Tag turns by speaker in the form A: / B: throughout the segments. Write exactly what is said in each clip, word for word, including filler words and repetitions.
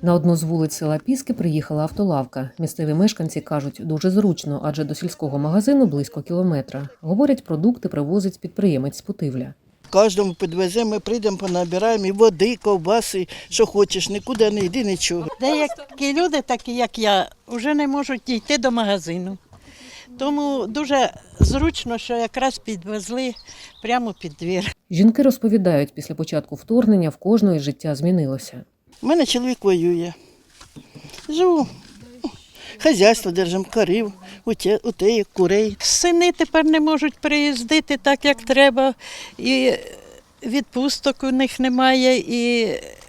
A: На одну з вулиць села Піски приїхала автолавка. Місцеві мешканці кажуть, дуже зручно, адже до сільського магазину близько кілометра. Говорять, продукти привозить підприємець з Путивля.
B: Кожному підвеземо, ми прийдемо, понабираємо і води, ковбаси, що хочеш, нікуди не йди, нічого.
C: Деякі люди, такі як я, вже не можуть дійти до магазину. Тому дуже зручно, що якраз підвезли прямо під двір.
A: Жінки розповідають, після початку вторгнення в кожної життя змінилося.
B: У мене чоловік воює. Живу. Хазяйство держимо, корів, утеїв, курей.
C: Сини тепер не можуть приїздити так, як треба, і відпусток у них немає, і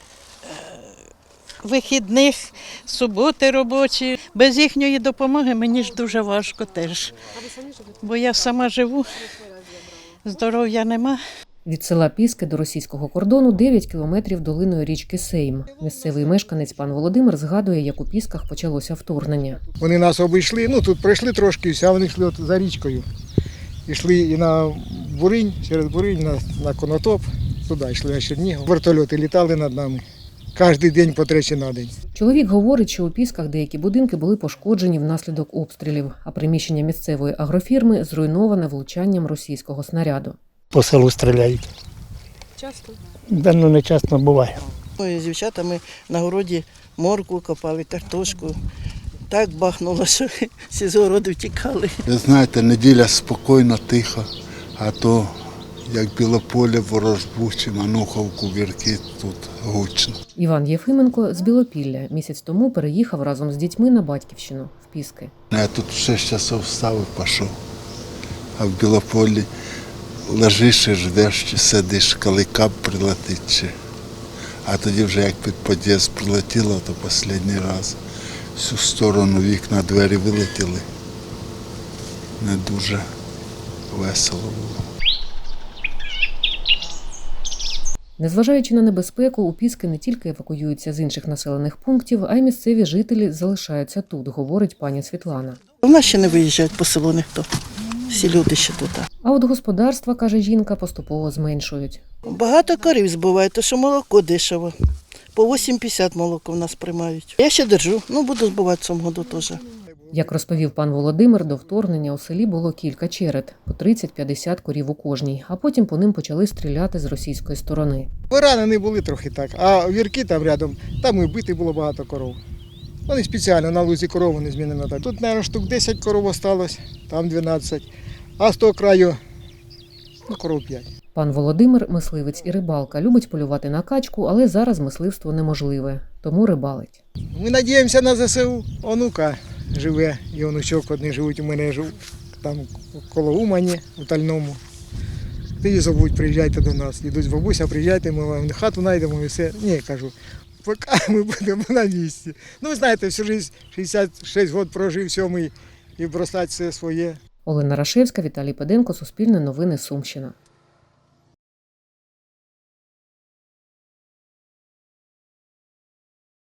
C: вихідних, суботи робочі. Без їхньої допомоги мені ж дуже важко теж. Бо я сама живу, здоров'я нема.
A: Від села Піски до російського кордону дев'ять кілометрів долиною річки Сейм. Місцевий мешканець пан Володимир згадує, як у Пісках почалося вторгнення.
D: Вони нас обійшли, ну тут пройшли трошки, а вони йшли от за річкою. Йшли і на Буринь, через Буринь, на, на Конотоп, туди йшли на Чернігів. Вертольоти літали над нами. Кожен день по тричі на день.
A: Чоловік говорить, що у Пісках деякі будинки були пошкоджені внаслідок обстрілів, а приміщення місцевої агрофірми зруйноване влучанням російського снаряду.
E: По селу стріляють.
A: Часто?
E: Да, ну не часто буває.
B: Ми з дівчатами на городі моркву копали, картошку. Так бахнуло, що всі з городу втікали.
F: Ви знаєте, неділя спокійно, тихо, а то як Білополе, Ворожбу, Мануховку, Вірки, тут гучно.
A: Іван Єфименко з Білопілля місяць тому переїхав разом з дітьми на батьківщину в Піски.
F: Я тут в шість часов встав і пішов, а в Білополі лежиш і ждеш, чи сидиш, коли кап прилетить. Чи... А тоді вже як під під'їзд прилетіло, то останній раз всю сторону вікна, двері вилетіли. Не дуже весело було.
A: Незважаючи на небезпеку, у Піски не тільки евакуюються з інших населених пунктів, а й місцеві жителі залишаються тут, говорить пані Світлана.
B: У нас ще не виїжджають по селу ніхто. Всі люди ще тут.
A: А от господарства, каже жінка, поступово зменшують.
B: Багато корів збивають, тому що молоко дешево. По вісім п'ятдесят молоко в нас приймають. Я ще держу, ну буду збивати в цьому году теж.
A: Як розповів пан Володимир, до вторгнення у селі було кілька черед, по тридцять-п'ятдесят корів у кожній, а потім по ним почали стріляти з російської сторони.
D: Поранені були трохи так, а вірки там рядом, там і вбити було багато коров. Вони спеціально на лузі корову не змінено так. Тут, мабуть, штук десять коров осталось, там дванадцять, а з того краю, ну, коров п'ять.
A: Пан Володимир – мисливець і рибалка, любить полювати на качку, але зараз мисливство неможливе, тому рибалить.
D: Ми сподіваємося на зе се у, онука живе, і онучок одні живуть, у мене живуть там коло Умані, у Тальному. Тоді зовуть, приїжджайте до нас. Йдуть з бабуся, приїжджайте, ми вам хату знайдемо і все. Ні, кажу, поки ми будемо на місці. Ну, ви знаєте, всю життя, шістдесят шість років прожив сьомий і бросати все своє.
A: Олена Рашевська, Віталій Педенко, Суспільне новини, Сумщина.